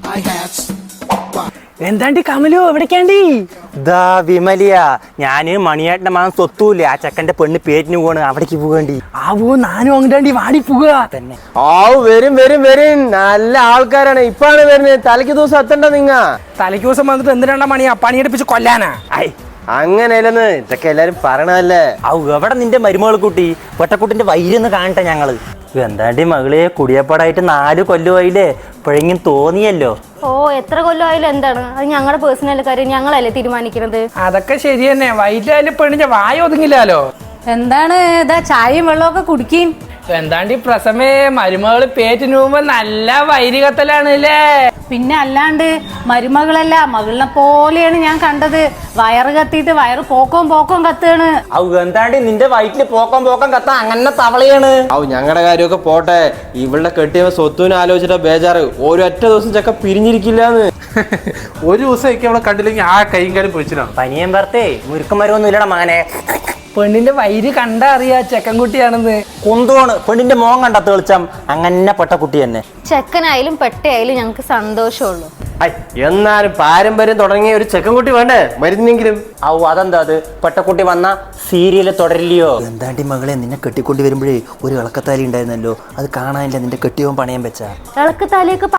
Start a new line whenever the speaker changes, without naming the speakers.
എന്താണ്ടി കമലു എവിടേക്കാണ്ടി?
ദാ വിമലിയ, ഞാന് മണിയേട്ടന്റെ മകൻ സ്വത്തൂല്ലേ, ആ ചെക്കന്റെ പെണ്ണ് പേറ്റിന് പോവാണ്, അവിടേക്ക് പോകണ്ടി.
ആവോ നാനും അങ്ങോട്ടാണ്ടി വാടി പോവുക
തന്നെ.
വരും വരും വരും, നല്ല ആൾക്കാരാണ് ഇപ്പാണ് വരുന്നത്. തലയ്ക്ക് ദിവസം എത്തണ്ട നിങ്ങ.
തലയ്ക്ക് ദിവസം വന്നിട്ട് എന്തിനാ മണിയാ പണിയെടുപ്പിച്ച് കൊല്ലാനാ?
അങ്ങനെയല്ലെന്ന് ഇതൊക്കെ എല്ലാരും പറയണല്ലേ.
എവിടെ നിന്റെ മരുമകൾ കുട്ടി പൊട്ടക്കുട്ടിന്റെ വൈരൊന്ന് കാണട്ടെ ഞങ്ങള്. എന്താണ്ടി മകളെ, കുടിയപ്പാടായിട്ട് 4 കൊല്ലമായില്ലേ, ഇപ്പോഴെങ്കിലും തോന്നിയല്ലോ.
ഓ എത്ര കൊല്ലമായാലും എന്താണ് അത് ഞങ്ങളുടെ പേഴ്സണൽ കാര്യം, ഞങ്ങളല്ലേ തീരുമാനിക്കുന്നത്.
അതൊക്കെ ശരി തന്നെ, വൈകിട്ടായാലും പെണ്ണിന്റെ വായ ഒതുങ്ങില്ലല്ലോ.
എന്താണ് ഇതാ ചായയും വെള്ളമൊക്കെ കുടിക്കും?
എന്താണ്ടി പ്രസമേ, മരുമകള് പേറ്റിന് പോകുമ്പോ നല്ല വൈരി കത്തലാണ് അല്ലേ?
പിന്നെ അല്ലാണ്ട് മരുമകളല്ല മകളിനെ പോലെയാണ് ഞാൻ കണ്ടത്. വയറ് കത്തിയിട്ട് വയറ് പോക്കോം കത്തുകയാണ്.
എന്താണ്ടി നിന്റെ വയറ്റില് പോക്കം കത്താ അങ്ങനെ തവളയാണ്.
ഞങ്ങളുടെ കാര്യമൊക്കെ പോട്ടെ, ഇവളുടെ കെട്ടിയ സ്വത്തുവിനെ ആലോചിച്ചിട്ട് ബേജാറ്. ഒരൊറ്റ ദിവസം ചക്ക പിരിഞ്ഞിരിക്കില്ലാന്ന്.
ഒരു ദിവസം അവളെ കണ്ടില്ലെങ്കിൽ ആ കൈയും കാര്യം പൊളിച്ചിട്ടാണ്.
പനിയും ഭർത്തേ മുരുക്കന്മാരൊന്നും ഇല്ലടാ മകനെ.
പെണ്ണിന്റെ വൈര് കണ്ടാ അറിയാ ചെക്കൻകുട്ടിയാണെന്ന്.
കുന്തോണ് പെണ്ണിന്റെ മോൻ കണ്ട തെളിച്ചം അങ്ങനെ പെട്ട കുട്ടി തന്നെ.
ചെക്കനായാലും പെട്ടയായാലും ഞങ്ങൾക്ക് സന്തോഷമുള്ളൂ.
എന്നാലും പാരമ്പര്യം തുടങ്ങിയ ഒരു ചെക്കൻകുട്ടി വേണ്ടേ മരുന്നെങ്കിലും.
അതെന്താ അത് പെട്ടക്കുട്ടി വന്ന സീരിയല് തുടരില്ലയോ? എന്താണ്ടി മകളെ, നിന്നെ കെട്ടിക്കൊണ്ട് വരുമ്പോഴേ ഒരു ഇളക്കത്താലി ഉണ്ടായിരുന്നല്ലോ, അത് കാണാനില്ല. നിന്റെ കെട്ടിയവൻ പണയം വെച്ചാ
ഇളക്കത്താലിയൊക്കെ